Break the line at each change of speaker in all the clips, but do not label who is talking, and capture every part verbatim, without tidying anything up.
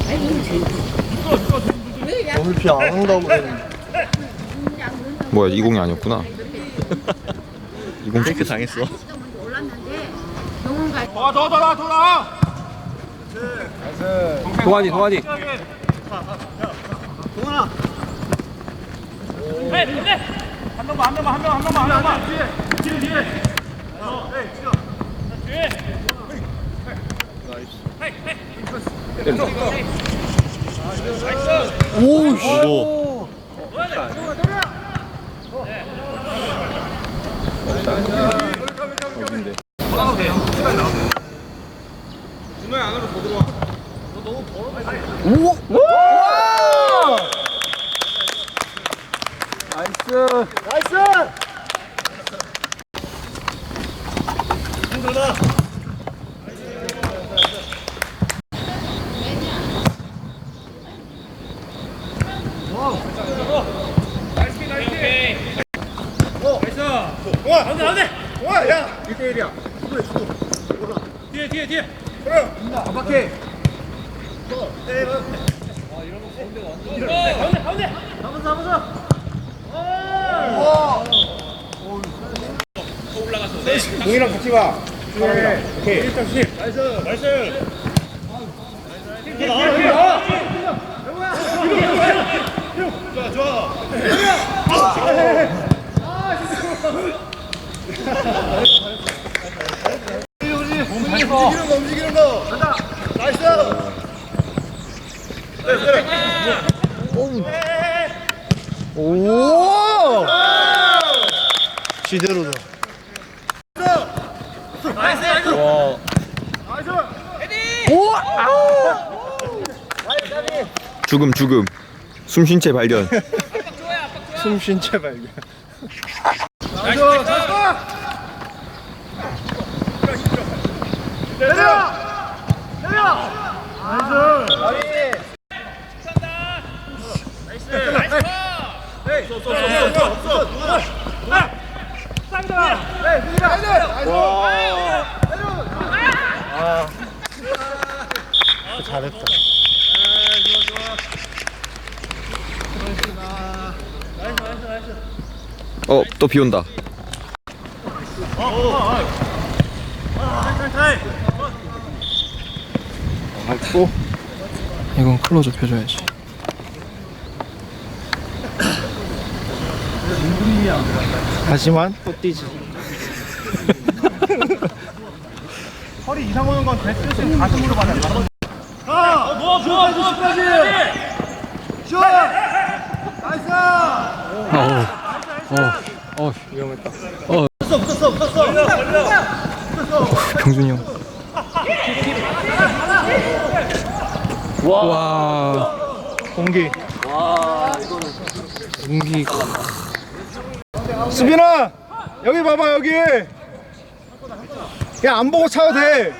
오늘 비 안 온다고 그랬는데.
뭐야 이공이 아니었구나. 이공
이렇게 당했어.
더, 더, 더, 더 나와!
동환이 동환이.
동원아.
네, 네. 한 명만, 한 명만, 한 명만, 한 명만, 한 명만. 뒤에, 뒤에, 뒤에. 어, 네, 뒤에. 뒤에.
오, 씨.
오. 어딘데?
준호야 안으로 더 들어와. 너 너무 벌어.
오! 와!
나이스.
나이스! 힘들다.
나이스, 나이스. 어, 나이스. 동아, 가운데, 가운데. 동아, 야. 일 대 일이야. 주도해, 주도. 뒤에, 뒤에, 뒤에. 그래.
압박해.
가운데, 가운데.
잡았어, 잡았어.
공이랑 같이 와. 중앙이랑. 오케이. 일 점 십. 나이스. 나이스. 좋아, 좋아.
움직이는 거, 움직이는 거. 간다. 나이스. 오! 지대로다.
나이스, 나이스.
와.
나이스.
오! 아우!
죽음 죽음. 숨쉰 채 발견.
숨쉰 채 발견.
나이스. 나이스. 내려! 내려! 나이스! 나이스! 나이스! 에이! 쏘, 쏘, 쏘, 쏘, 쏘! 쌍다! 에이, 누구야?
와. 아. 잘했다.
어 또 비 온다.
아이고.
이건 클로즈업 해줘야지.
하지만 또 뛰지.
허리 이상 오는 건 됐을 가슴으로 받아. 아! 뭐, 좋아, 좋아, 까지! 슛! 나이스!
어, 어,
위험했다.
붙었어, 붙었어, 붙었어! 걸려, 걸려!
병준이 형. 와,
공기.
공기.
수빈아! 여기 봐봐, 여기! 그냥 안 보고 차도 돼!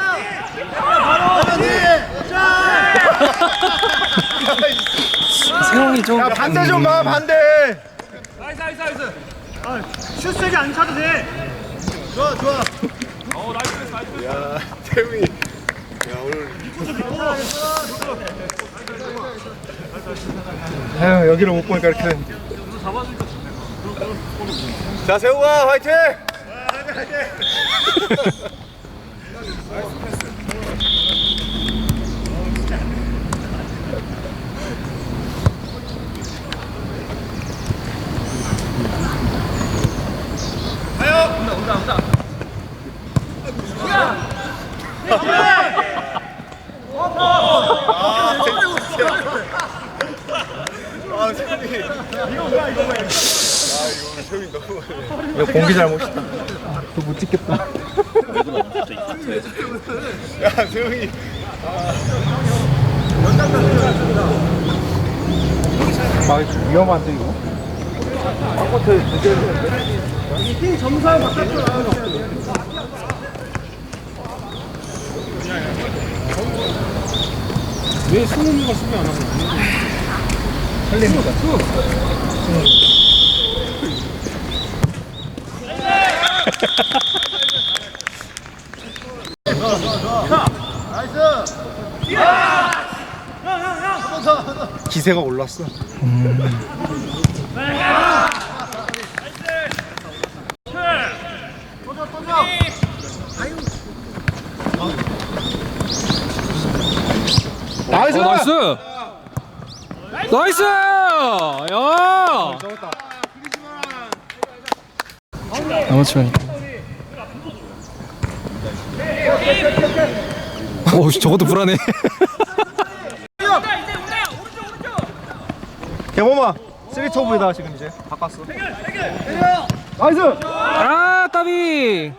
세영이 좀.
야, 반대 좀 봐, 반대!
나이스, 나이스, 나이스! 아, 슛 세게 안 차도 돼! 좋아, 좋아! 어, 나이스, 나이스!
야, 태웅이. 야, 오늘. 아유, 여기를 못 보니까 이렇게 됐네. 자, 세웅아, 화이팅! 아, 세웅이. 이거 뭐야, 이거 뭐야. 아, 이거 세웅이 너무 많네. 이거 공기 잘못이다.
못 찍겠다.
야, 세웅이. 아, 이거 위험한데, 이거? 이 점수하고 바깥으로 나와야 돼.
왜 승훈이가 수비 안 하고?
살립니다.
나이스!
기세가 올랐어. 나이스!
어, 나이스! 나이스! 야! 아마추어. 어, 저것도 불안해.
개범아 쓰리 투업이다 지금 이제 바꿨어. 나이스!
아, 따비!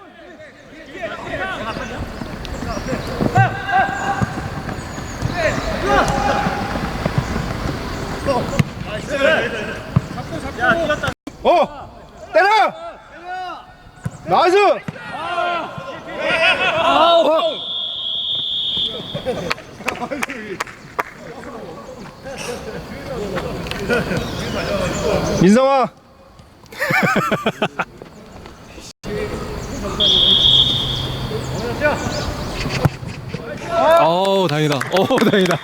어! 때려! 나이스! 민성아!
어우, 다행이다. 어우, 다행이다.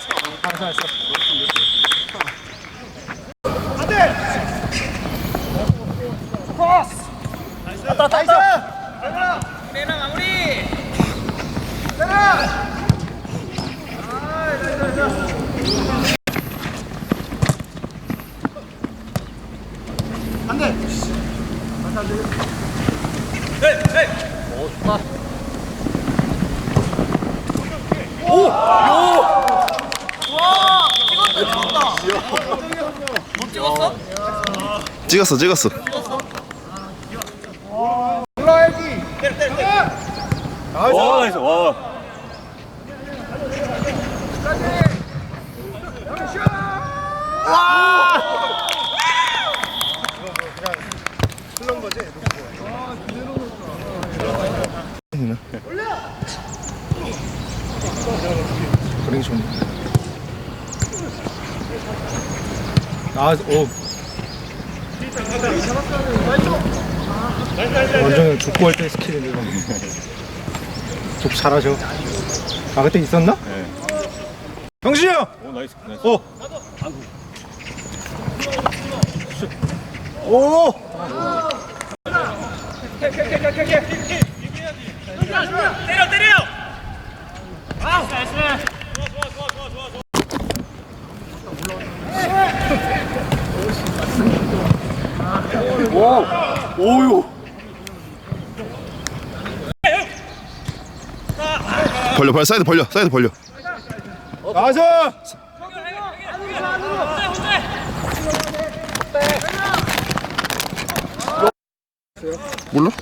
찍었어 찍었어.
와 나이스 와. 그림이 좋네. 아, 오. 완전 족구할 때 스킬인데 이거. 족 잘하죠. 아 그때 있었나? 네. 병신이 형! 오 나이스 나이스. 오! 오!
때려 때려. 아, 나이스.
오! 오유!
벌려 벌려 사이드 벌려 사이드 벌려.
나이스!
몰라?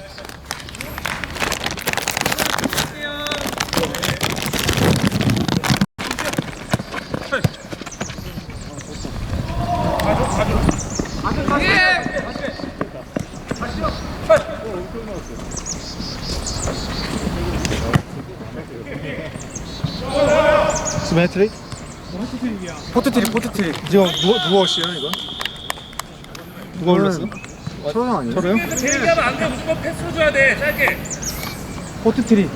스매 트릭? 포트 트릭, 포트 트릭. 지금 누가 누가 어시야 이거? 누가 올렸어? 철원 아니야? 철원?
제일 가면 안 돼. 무조건 패스 줘야 돼. 짧게.
포트 트릭.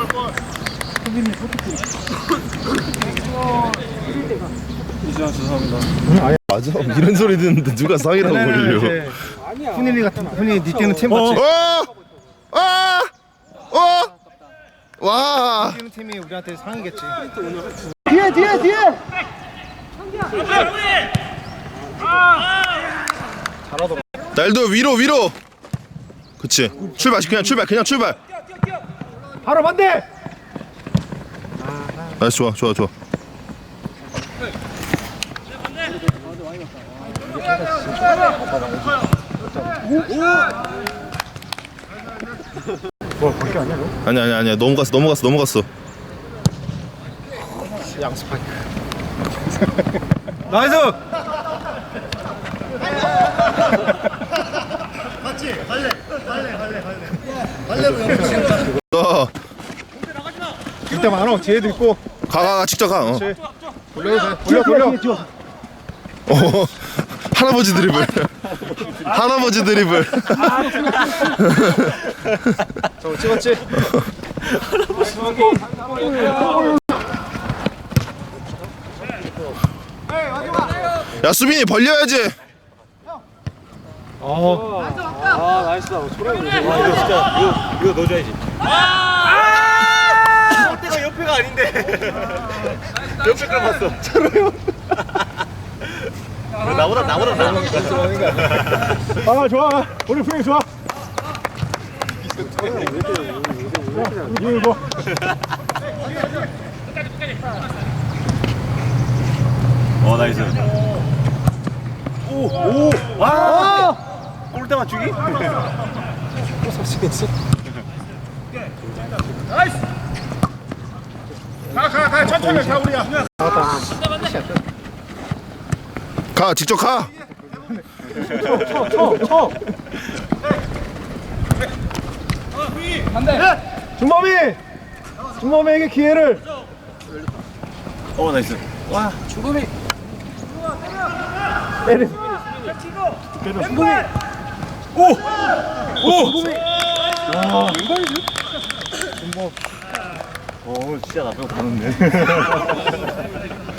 맞아. 이런 소리 듣는데 누가 상이라고 부르려.
훈일이 같은 훈일이 니 때는 팀 맞지?
어! 아! 어! 와!
뛰는 팀이 우리한테 상이겠지.
뒤에 뒤에 뒤에
잘하더라.
날도 위로 위로. 그치. 출발 그냥 출발 그냥 출발.
바로 반대.
나이스 좋아 좋아 좋아.
뭐 밖에 아니야 너?
아니 아니 아니야 넘어갔어 넘어갔어 넘어갔어.
양스파이크. 나이스. 같이 갈래 갈래 갈래 갈래. 갈래로 연습.
어.
이때 많어. 뒤에도 있고.
가가가 직접 가. 어.
돌려 돌려 돌려.
어. 할아버지 드리블. 할아버지 드리블.
저거 찍었지?
야 수빈이 벌려야지.
어.
아 나이스다. 소리 이거 진짜 이거 이거 넣어줘야지. 골대가 옆에가 아닌데. 옆에 걸 봤어. 차로요. 나보다 나보다 나보다
아 좋아. 오늘 분위기 좋아. 이거 뭐?
어 나이스. 오오 와. 골대 맞추기?
또 사시겠어?
가가가 천천히 가 우리야.
가 직접 가.
쳐, 쳐, 쳐. 준범이, 준범이에게 기회를.
어 나이스. 와
준범이. 때려. 때려. 준범이.
오! 오!
준범이. 와, 왼발이지? 준범.
오 진짜 나쁘고 가는데.